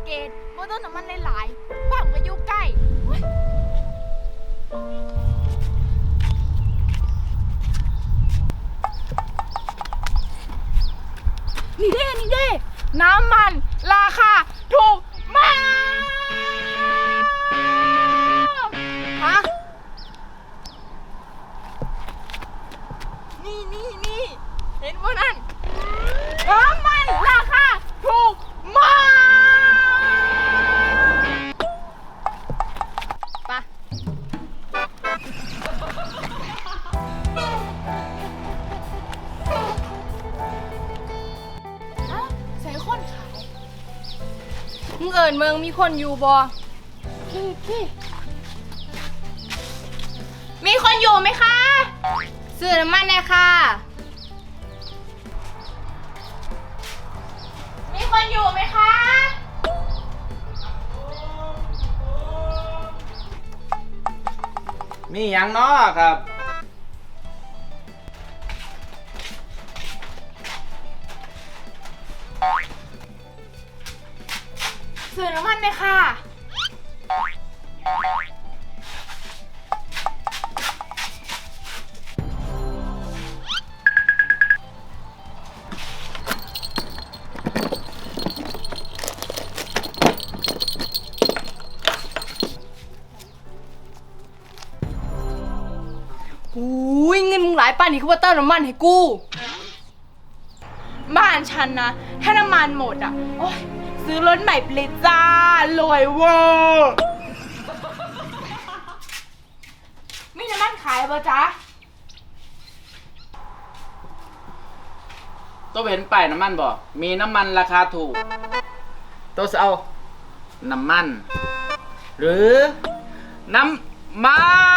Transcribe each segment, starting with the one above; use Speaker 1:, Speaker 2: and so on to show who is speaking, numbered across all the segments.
Speaker 1: เกตบ่ต้องน้ำมันหลายๆปั๊มก็อยู่ใกล้โอ๊ยนี่เด้น้ำมันราคาถูกมากฮะนี่เห็นว่านั่นน้ำมันราคาถูกมากปะใส่คนขายมึงเอิญเมืองมีคนอยู่บ่มีคนอยู่ไหมคะซื้อน้ำมันเลยค่ะมีคนอยู่ไหมคะ
Speaker 2: มีอย่างน้อครับ
Speaker 1: ซื้อน้ำมันเลยค่ะหูยเงินมึงหลายป่านนี้คือว่าเติมน้ำมันให้กูบ้านฉันนะถ้าน้ำมันหมดอ่ะโอ๊ยซื้อรถใหม่ไปเลยจ้ารวยเวอร์มีน้ำมันขายป่ะจ๊ะ
Speaker 2: ตัวเห็นป้ายน้ำมันบ่มีน้ำมันราคาถูกตัวจะเอาน้ำมัน หรือน้ำมัน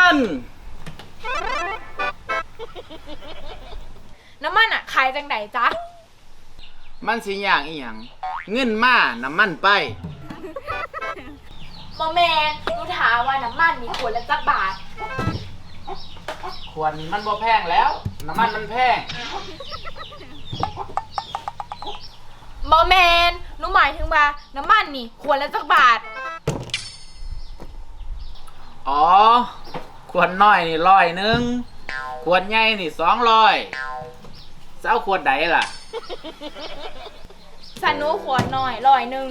Speaker 1: น้ำมันอ่ะขายจังไหนจ๊ะ
Speaker 2: มันสิอย่างอีหยังเงินมาน้ำมันไป
Speaker 1: บอแมนดูถามว่าน้ำมันมีขวดละจักบาท
Speaker 2: ขวดนี้มันบ่แพงแล้ว น้ำมันมันแพง
Speaker 1: บอแมนหนูหมายถึงว่าน้ำมันนี่ขวดละจักบาท
Speaker 2: อ๋อขวดน้อยนี่100ขวดใหญ่นี่200จะเอาขวดใดล่ะ
Speaker 1: สันหนูขวดหน่อย100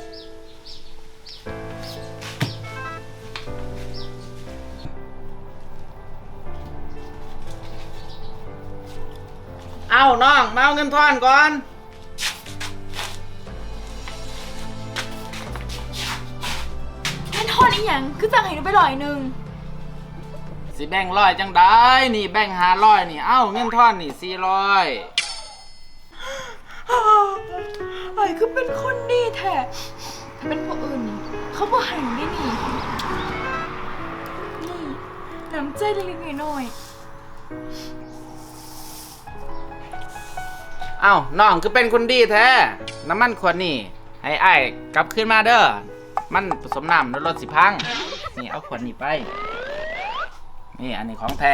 Speaker 2: เอาน้องมาเอาเงินทอนก่อน
Speaker 1: เงินทอนอีหยังคือจังให้หนูไป100
Speaker 2: สิแบ่ง100จังได้นี่แบ่ง500นี่เอ้าเงินทอนนี่400
Speaker 1: ไอ้คือเป็นคนดีแท้ถ้าเป็นผู้อื่นนี่เขาบ่ให้ได้นี่น้ำใจเล็กๆน้อยๆ
Speaker 2: เอ้าน้องคือเป็นคนดีแท้น้ำมันขวดนี่ให้อ้ายกลับขึ้นมาเด้อมันผสมน้ำแล้วรถสิพังนี่เอาขวดนี้ไปนี่อันนี้ของแท้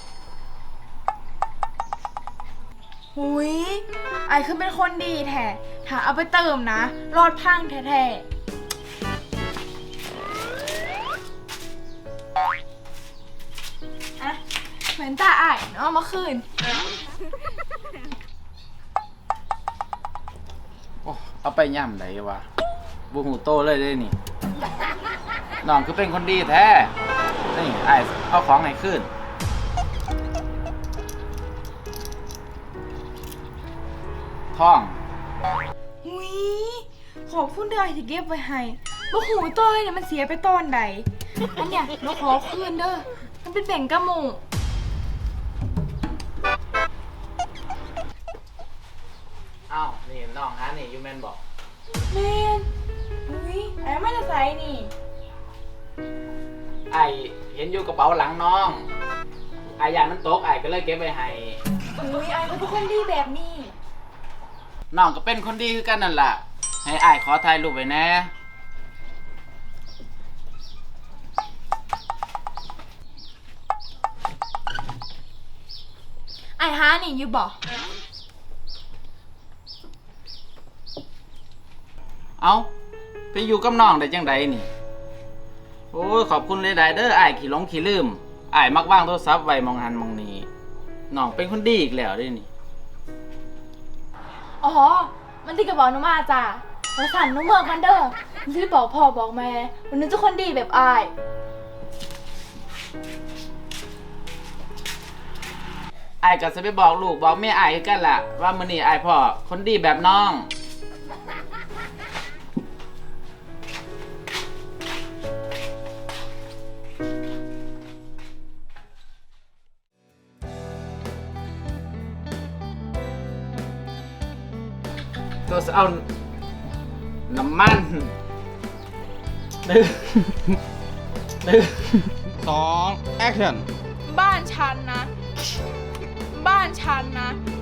Speaker 1: หุยไอคือเป็นคนดีแท้ถ้าเอาไปเติมนะรอดพังแท้ๆอะเหมือนตาไอ้เนาะเมื่อคืน
Speaker 2: โอ้เอาไปย่ำไหนวะบูหูโตเลยได้นี่น้องคือเป็นคนดีแท้นี่อ้ายเอาของให้ขึ้นท่อง
Speaker 1: หุยขอบคุณเด้อที่เก็บไว้ให้บ่หูเต้ยเนี่ยมันเสียไปตอนใดอันเนี้ยหนูขอคืนเด้อมันเป็นแบ่งกะหมู
Speaker 2: เอ้านี่น้องฮะนี่ยูแมนบอก
Speaker 1: แมนหุยไอ้ไม่ได้ใส่นี่
Speaker 2: ไอเห็นอยู่กระเป๋าหลังน้องไอายานมันตกไอก็เลยเก็บไว้ให้
Speaker 1: หุยไอ้ก็เป็นคนดีแบบนี้
Speaker 2: น้องก็เป็นคนดีคือกันนั่นแหละให้ไอายขอถ่ายรูปไว้แน่
Speaker 1: ไอ้ฮานี่อยู่บ่
Speaker 2: เอ้าไปอยู่กับน้องได้จังไดนี่โอ้ยขอบคุณหลายๆเด้ออ้ายขี้หลงขี้ลืมอ้ายมักวางโทรศัพท์ไว้มองหันมองนี้น้องเป็นคนดีอีกแล้วเด้นี่
Speaker 1: อ๋อ มันที่กระบอกหนูมาจ้ะมาสั่นหนูเมืองกันเด้อหนูจะไปบอกพ่อบอกแม่วันนี้จะคนดีแบบอาย
Speaker 2: อ้ายก็จะไปบอกลูกบอกแม่อ้ายคือกันล่ะว่ามื้อนี้อ้ายพ่อคนดีแบบน้องเราจะเอาน้ำมันหนึ่ง
Speaker 3: 2 แอคชั่น
Speaker 1: บ้านฉันนะ บ้านฉันนะ